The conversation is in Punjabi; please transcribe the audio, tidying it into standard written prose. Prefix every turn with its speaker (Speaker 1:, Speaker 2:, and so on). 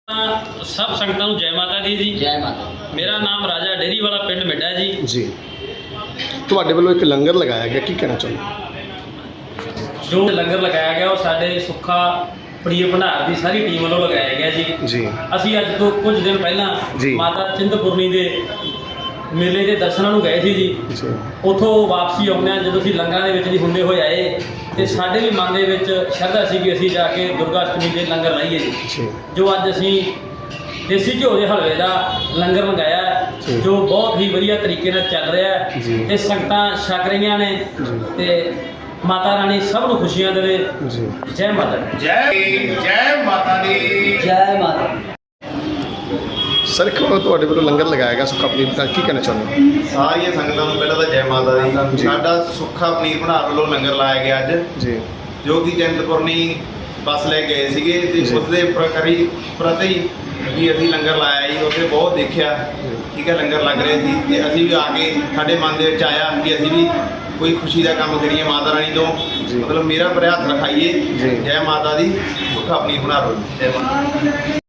Speaker 1: सब संगतां नूं जय माता दी जी।
Speaker 2: जय माता।
Speaker 1: मेरा नाम राजा डेरी वाला पिंड मिड्डा जी।
Speaker 3: जी ਤੁਹਾਡੇ ਵੱਲੋਂ ਇੱਕ ਲੰਗਰ ਲਗਾਇਆ ਗਿਆ, ਕੀ ਕਹਿਣਾ ਚਾਹੁੰਦੇ?
Speaker 1: जो लंगर लगाया गया वो साडे सुखा पनीर भंडार की सारी टीम वालों लगाया गया जी।
Speaker 3: जी
Speaker 1: ਅਸੀਂ ਅੱਜ ਤੋਂ ਕੁਝ ਦਿਨ ਪਹਿਲਾਂ
Speaker 3: ਜੀ।
Speaker 1: ਮਾਤਾ ਚਿੰਤਪੁਰਨੀ ਦੇ ਮੇਲੇ ਦੇ ਦਰਸ਼ਨਾਂ ਨੂੰ ਗਏ ਸੀ ਜੀ।
Speaker 3: ਜੀ
Speaker 1: ਉੱਥੋਂ ਵਾਪਸੀ ਆਉਂਦੇ ਜਦੋਂ ਅਸੀਂ ਲੰਗਰਾਂ ਦੇ ਵਿੱਚ ਦੀ ਹੁੰਦੇ ਹੋਏ ਆਏ ਤੇ ਸਾਡੇ ਵੀ ਮਨ ਦੇ ਵਿੱਚ ਸ਼ਰਧਾ ਸੀ ਕਿ ਅਸੀਂ ਜਾ ਕੇ ਦੁਰਗਾ ਅਸ਼ਟਮੀ ਦੇ ਲੰਗਰ ਲਾਈਏ ਜੀ।
Speaker 3: ਜੀ
Speaker 1: ਜੋ ਅੱਜ ਅਸੀਂ ਦੇਸੀ ਘਿਓ ਦੇ ਹਲਵੇ ਦਾ ਲੰਗਰ ਮੰਗਾਇਆ ਹੈ,
Speaker 3: ਜੀ।
Speaker 1: ਜੋ ਬਹੁਤ ਹੀ ਵਧੀਆ ਤਰੀਕੇ ਨਾਲ ਚੱਲ ਰਿਹਾ ਹੈ
Speaker 3: ਜੀ।
Speaker 1: ਤੇ ਸੰਗਤਾਂ ਛਕ ਰਹੀਆਂ ਨੇ
Speaker 3: ਜੀ।
Speaker 1: ਤੇ ਮਾਤਾ ਰਾਣੀ ਸਭ ਨੂੰ ਖੁਸ਼ੀਆਂ ਦੇਵੇ।
Speaker 3: ਜੀ
Speaker 1: ਜੈ ਮਾਤਾ ਦੀ।
Speaker 4: जय माता दी।
Speaker 2: जय माता।
Speaker 3: ਸਰ ਇੱਕ ਤੁਹਾਡੇ ਵੱਲੋਂ ਲੰਗਰ ਲਗਾਇਆ ਗਿਆ ਸੁੱਕਾ ਪਨੀਰ ਦਾ, ਕੀ ਕਹਿਣਾ ਚਾਹੁੰਦੇ?
Speaker 4: ਸਾਰੀਆਂ ਸੰਗਤਾਂ ਨੂੰ ਪਹਿਲਾਂ ਤਾਂ ਜੈ ਮਾਤਾ ਦੀ।
Speaker 3: ਜੀ।
Speaker 4: ਸਾਡਾ ਸੁੱਖਾ ਪਨੀਰ ਭੰਡਾਰ ਵੱਲੋਂ ਲੰਗਰ ਲਾਇਆ ਗਿਆ ਅੱਜ,
Speaker 3: ਜੀ
Speaker 4: ਜੋ ਕਿ ਚਿੰਤਪੁਰਨੀ ਬੱਸ ਲੈ ਗਏ ਸੀਗੇ ਤੇ
Speaker 3: ਜੀ।
Speaker 4: ਉਸਦੇ ਪ੍ਰਤੀ ਵੀ ਅਸੀਂ ਲੰਗਰ ਲਾਇਆ ਜੀ। ਉੱਥੇ ਬਹੁਤ ਦੇਖਿਆ, ਠੀਕ ਹੈ, ਲੰਗਰ ਲੱਗ ਰਿਹਾ ਸੀ ਤੇ ਅਸੀਂ ਵੀ ਆ ਕੇ ਸਾਡੇ ਮਨ ਦੇ ਵਿੱਚ ਆਇਆ ਕਿ ਅਸੀਂ ਵੀ ਕੋਈ ਖੁਸ਼ੀ ਦਾ ਕੰਮ ਕਰੀਏ ਮਾਤਾ ਰਾਣੀ ਤੋਂ,
Speaker 3: ਜੀ।
Speaker 4: ਮਤਲਬ ਮੇਰਾ ਪਰ ਹੱਥ ਰਖਾਈਏ।
Speaker 3: ਜੀ।
Speaker 4: ਜੈ ਮਾਤਾ ਦੀ। ਸੁੱਖਾ ਪਨੀਰ ਭੰਡਾਰ ਵੱਲੋਂ ਜੈ ਮਾਤਾ।